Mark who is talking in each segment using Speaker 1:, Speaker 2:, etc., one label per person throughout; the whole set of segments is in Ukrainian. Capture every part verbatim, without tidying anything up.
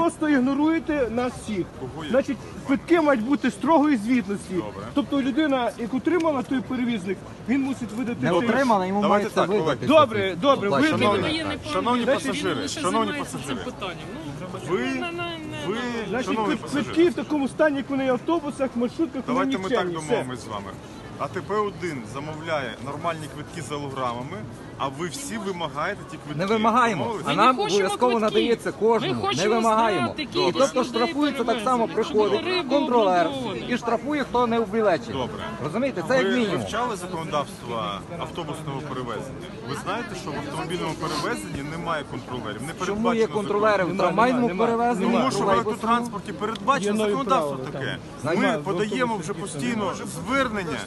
Speaker 1: просто ігноруєте нас всіх. Значить, квитки мають бути строгої звітності.
Speaker 2: Добре.
Speaker 1: Тобто людина, яку отримала той перевізник, він мусить видати...
Speaker 3: Не
Speaker 1: цей-
Speaker 3: отримала, йому
Speaker 2: Давайте
Speaker 3: мають це
Speaker 2: так,
Speaker 3: видати.
Speaker 1: Добре, добре, ви...
Speaker 2: Шановні, шановні
Speaker 1: Значить,
Speaker 2: пасажири, шановні пасажири, ви, ви,
Speaker 1: Значить,
Speaker 2: шановні
Speaker 1: квит- квитки
Speaker 2: пасажири,
Speaker 1: в такому стані, як вони в автобусах, маршрутках, вони
Speaker 2: давайте ми так
Speaker 1: нікчемні. Все.
Speaker 2: домовимось з вами. А Т П один замовляє нормальні квитки з алограмами, а ви всі вимагаєте ті квитки.
Speaker 3: Не вимагаємо,
Speaker 2: Домовились?
Speaker 3: а
Speaker 4: Ми
Speaker 3: нам
Speaker 4: не хочемо
Speaker 3: обов'язково
Speaker 4: квитків.
Speaker 3: надається кожному.
Speaker 4: Ми
Speaker 3: Не
Speaker 4: хочемо
Speaker 3: вимагаємо.
Speaker 4: знати,
Speaker 3: І
Speaker 4: кількість
Speaker 3: тобто
Speaker 4: людей
Speaker 3: штрафується так само,
Speaker 4: перевезено,
Speaker 3: приходить
Speaker 4: щоб рибу
Speaker 3: контролер
Speaker 4: обґрунтовано.
Speaker 3: і штрафує, хто не в білеті.
Speaker 2: Добре.
Speaker 3: Розумієте, це як
Speaker 2: Ви
Speaker 3: мінімум.
Speaker 2: вивчали законодавство автобусного перевезення? Ви знаєте, що в автомобільному перевезенні немає контролерів? Не
Speaker 3: Чому
Speaker 2: передбачено
Speaker 3: є контролери в
Speaker 1: Нема,
Speaker 3: трамвайному
Speaker 1: нема,
Speaker 3: перевезенні?
Speaker 2: Тому що в
Speaker 3: тролейбусному?
Speaker 2: електротранспорті передбачено
Speaker 1: Є нові
Speaker 2: законодавство
Speaker 1: правила,
Speaker 2: таке.
Speaker 1: так.
Speaker 2: Ми
Speaker 1: Немає, в
Speaker 2: подаємо
Speaker 1: автобусі
Speaker 2: вже
Speaker 1: таке
Speaker 2: постійно звернення.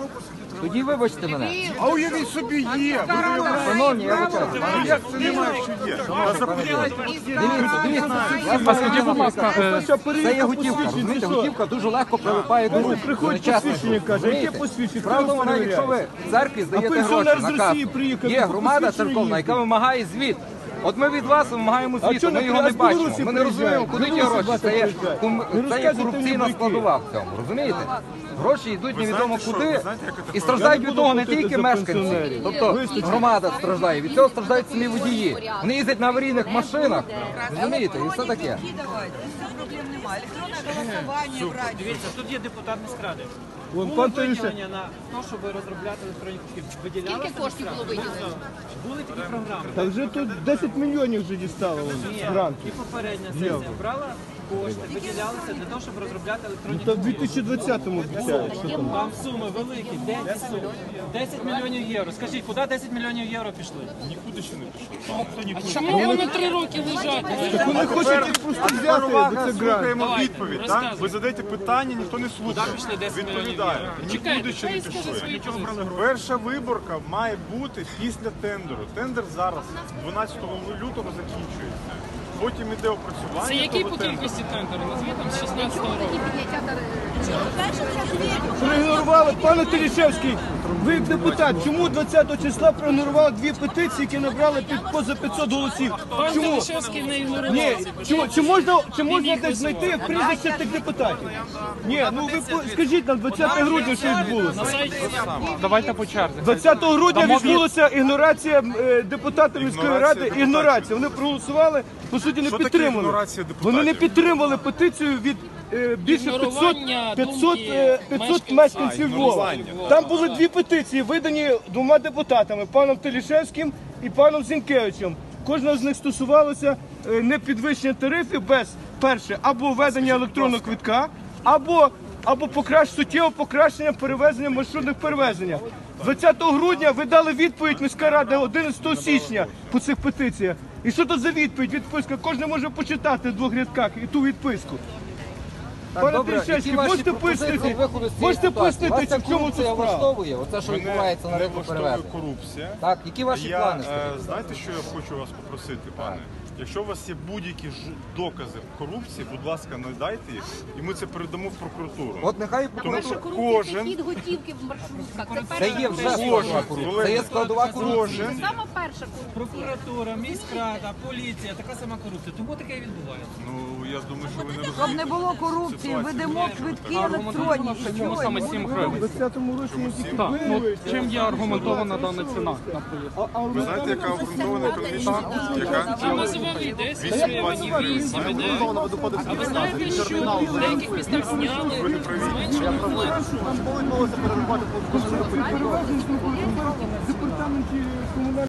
Speaker 3: Тоді вибачте мене.
Speaker 2: А уявіть собі є.
Speaker 3: Шановні, я вибачаю.
Speaker 2: Як це немає, що є? Та запитайте.
Speaker 3: Дивіться, дивіться. Я скажіть, будь ласка, це є готівка, розумієте? Готівка дуже легко прилипає до рук.
Speaker 1: Приходить
Speaker 3: Нечесно.
Speaker 1: посвідчення, каже, яке
Speaker 3: Розумієте?
Speaker 1: посвідчення?
Speaker 3: Справа в
Speaker 1: Хто
Speaker 3: тому, якщо ви
Speaker 1: перевіряє?
Speaker 3: в церкві
Speaker 1: А
Speaker 3: здаєте
Speaker 1: пенсіонер
Speaker 3: гроші
Speaker 1: з
Speaker 3: на
Speaker 1: Росії
Speaker 3: касу,
Speaker 1: приїхав,
Speaker 3: є
Speaker 1: по
Speaker 3: громада
Speaker 1: посвідченню
Speaker 3: церковна, яка
Speaker 1: їздить.
Speaker 3: вимагає звіт. От ми від вас вимагаємо
Speaker 1: А
Speaker 3: звіту,
Speaker 1: чого
Speaker 3: ми
Speaker 1: не
Speaker 3: його не
Speaker 1: а з Білорусі
Speaker 3: бачимо. Ми не розуміємо, куди ті
Speaker 1: приїжджають?
Speaker 3: гроші. Це є,
Speaker 1: Приїжджають.
Speaker 3: ком-
Speaker 1: Не
Speaker 3: це є
Speaker 1: розказуйте
Speaker 3: корупційна
Speaker 1: мені
Speaker 3: складова в цьому, розумієте? Гроші йдуть
Speaker 2: Ви
Speaker 3: невідомо
Speaker 2: знаєте, що?
Speaker 3: куди
Speaker 2: Ви знаєте, як це
Speaker 3: і
Speaker 2: так
Speaker 3: страждають
Speaker 1: Я
Speaker 3: від
Speaker 1: не
Speaker 3: того
Speaker 1: буду
Speaker 3: не
Speaker 1: платити
Speaker 3: тільки
Speaker 1: за
Speaker 3: мешканці,
Speaker 1: пенсіонерів.
Speaker 3: тобто
Speaker 1: Вистачить.
Speaker 3: громада страждає, від цього страждають самі водії. Вони їздять на аварійних машинах, розумієте, і все таке.
Speaker 5: Проблем немає. Електронне голосування брати.
Speaker 6: Дивіться, тут є депутат міськради.
Speaker 1: Вон
Speaker 6: Було
Speaker 1: пан Тарасюк.
Speaker 6: виділення на те, щоб розробляти електронні квитки. Виділялося
Speaker 4: Скільки коштів було виділено?
Speaker 6: Були такі програми.
Speaker 1: Та вже тут десять мільйонів вже дістало
Speaker 6: Ні,
Speaker 1: гранту.
Speaker 6: і попередня сесія брала кошти, виділялися для того, щоб розробляти електронні
Speaker 1: Та в
Speaker 6: квитки.
Speaker 1: дві тисячі двадцятому обіцяють, що там.
Speaker 6: Там суми великі, десять сум. десять мільйонів євро. Скажіть, куди десять мільйонів євро пішли?
Speaker 2: Нікуди ще не пішло.
Speaker 4: Чому вони три роки лежать?
Speaker 1: Вони хочуть їх просто взяти, бо це грант.
Speaker 2: Слухаємо
Speaker 4: Давайте,
Speaker 2: відповідь. так?
Speaker 4: розказуй.
Speaker 2: Ви задаєте питання, ніхто не слухає.
Speaker 6: Куди пішли десять
Speaker 2: Відповідає.
Speaker 4: Чекайте,
Speaker 2: Нікуди ще не
Speaker 4: хай скаже свою
Speaker 2: пішли.
Speaker 4: позицію.
Speaker 2: Перша виборка має бути після тендеру. Тендер зараз, дванадцятого лютого, закінчується. Потім іде опрацювання.
Speaker 4: Це який
Speaker 2: того
Speaker 4: по
Speaker 2: тендеру.
Speaker 4: кількості тендеру? Назві там з шістнадцятого року.
Speaker 1: Проігнорували, пане Телішевський, ви як депутат, чому двадцятого числа проігнорували дві петиції, які набрали під поза п'ятсот голосів?
Speaker 4: Пан
Speaker 1: Чому?
Speaker 4: Телішевський не ігнорував
Speaker 1: Ні,
Speaker 4: ці питання.
Speaker 1: чому, чи можна, чи можна
Speaker 4: їх
Speaker 1: десь знайти прізвище тих депутатів? Ні, ну ви по- скажіть нам, двадцятого грудня що відбулося?
Speaker 4: На сайті
Speaker 6: Давайте по черзі.
Speaker 1: двадцятого грудня відбулася ігнорація е, депутатів міської
Speaker 2: Ігнорація
Speaker 1: ради, ігнорація. Вони проголосували, по суті, не
Speaker 2: Що таке
Speaker 1: підтримали.
Speaker 2: ігнорація депутатів?
Speaker 1: Вони не підтримали петицію від е, більше п'ятсот,
Speaker 4: Ігнорування
Speaker 1: п'ятсот,
Speaker 4: думки
Speaker 1: е, п'ятсот
Speaker 4: мешканців.
Speaker 1: мешканців
Speaker 2: А,
Speaker 1: Львова.
Speaker 2: ігнорування.
Speaker 1: Там були дві петиції, видані двома депутатами, паном Телішевським і паном Зінкевичем. Кожна з них стосувалася е, не підвищення тарифів без, перше, або введення електронного квитка, або, або покращ, суттєве покращення перевезення маршрутних перевезення. двадцятого грудня ви дали відповідь міська рада одинадцятого січня по цих петиціях. І що то за відповідь? Відписка. Кожен може почитати в двох рядках і ту відписку.
Speaker 3: Так,
Speaker 1: Пане
Speaker 3: добре,
Speaker 1: Телішевський,
Speaker 3: які ваші
Speaker 1: можете
Speaker 3: пропозиції
Speaker 1: пояснити?
Speaker 3: виходу з цієї
Speaker 1: Можете
Speaker 3: ситуації?
Speaker 1: пояснити,
Speaker 3: Вас ця
Speaker 1: в чому тут
Speaker 3: корупція
Speaker 1: справа?
Speaker 3: влаштовує? Оце, що
Speaker 2: Мене
Speaker 3: відбувається на
Speaker 2: не
Speaker 3: ринку
Speaker 2: влаштовує
Speaker 3: перевезень.
Speaker 2: корупція.
Speaker 3: Так, які ваші
Speaker 2: Я,
Speaker 3: плани?
Speaker 2: е,
Speaker 3: скажіть?
Speaker 2: знаєте, що я хочу вас попросити, пане? Якщо у вас є будь-які ж докази корупції, будь ласка, надайте їх, і ми це передамо в прокуратуру.
Speaker 3: От нехай
Speaker 2: Тому
Speaker 3: прокуратура-
Speaker 2: що
Speaker 7: Корупція це
Speaker 2: кожен,
Speaker 7: хід готівки в маршрутках. Це
Speaker 3: Це
Speaker 7: перша
Speaker 3: є вже
Speaker 7: корупція.
Speaker 3: складова корупція. Це є складова корупція.
Speaker 2: кожен,
Speaker 7: Це сама перша корупція.
Speaker 6: Прокуратура, міськрада, поліція, така сама корупція. Тому таке і відбувається.
Speaker 2: ну я думаю, що ви не розумієте.
Speaker 5: Щоб не було корупції,
Speaker 2: ситуацію.
Speaker 5: ведемо квитки електронні.
Speaker 8: Чому саме сім
Speaker 1: У
Speaker 8: гривень?
Speaker 1: двадцятому році не тільки
Speaker 8: Так, ну
Speaker 1: ви,
Speaker 8: чим є аргументована дана ціна на проїзд?
Speaker 1: а- а
Speaker 2: Ви знаєте, яка обґрунтована економічна? Яка?
Speaker 4: там називали десять гривень, вісім, іде. А ви знаєте, що в деяких містах зняли, зменшили вплив?
Speaker 1: перевезення департаменті комунальної